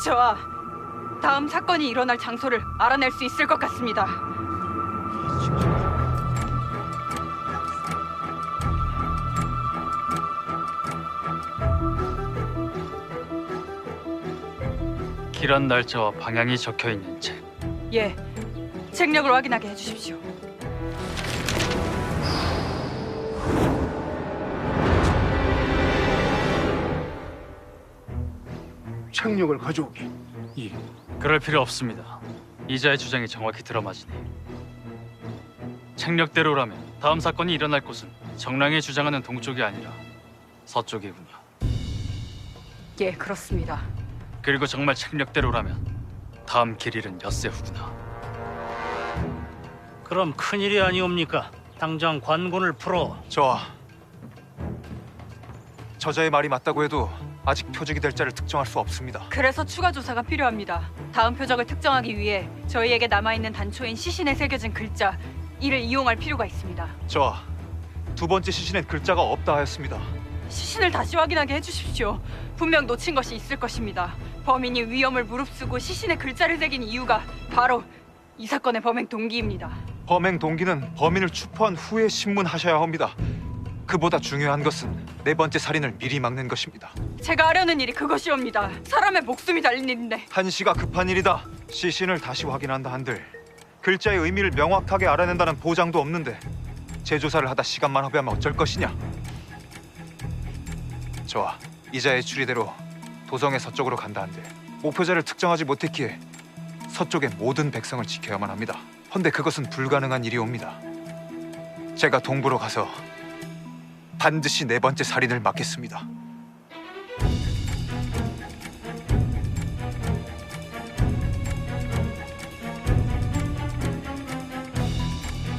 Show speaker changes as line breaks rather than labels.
저와 다음 사건이 일어날 장소를 알아낼 수 있을 것 같습니다.
길한 날짜와 방향이 적혀있는 책.
예, 책력을 확인하게 해주십시오.
책력을 가져오기.
예, 그럴 필요 없습니다. 이자의 주장이 정확히 들어맞으니. 책력대로라면 다음 사건이 일어날 곳은 정랑이 주장하는 동쪽이 아니라 서쪽이군요.
예, 그렇습니다.
그리고 정말 책력대로라면 다음 길 잃은 엿새 후구나.
그럼 큰일이 아니옵니까? 당장 관군을 풀어.
저자의 말이 맞다고 해도 아직 표적이 될 자를 특정할 수 없습니다.
그래서 추가 조사가 필요합니다. 다음 표적을 특정하기 위해 저희에게 남아있는 단초인 시신에 새겨진 글자 이를 이용할 필요가 있습니다.
두 번째 시신엔 글자가 없다 하였습니다.
시신을 다시 확인하게 해주십시오. 분명 놓친 것이 있을 것입니다. 범인이 위험을 무릅쓰고 시신에 글자를 새긴 이유가 바로 이 사건의 범행 동기입니다.
범행 동기는 범인을 추포한 후에 신문하셔야 합니다. 그보다 중요한 것은 네 번째 살인을 미리 막는 것입니다.
제가 하려는 일이 그것이옵니다. 사람의 목숨이 달린 일인데.
한시가 급한 일이다. 시신을 다시 확인한다 한들 글자의 의미를 명확하게 알아낸다는 보장도 없는데 재조사를 하다 시간만 허비하면 어쩔 것이냐. 이자의 추리대로 도성의 서쪽으로 간다 한들 목표자를 특정하지 못했기에 서쪽의 모든 백성을 지켜야만 합니다. 헌데 그것은 불가능한 일이옵니다. 제가 동부로 가서 반드시 네 번째 살인을 막겠습니다.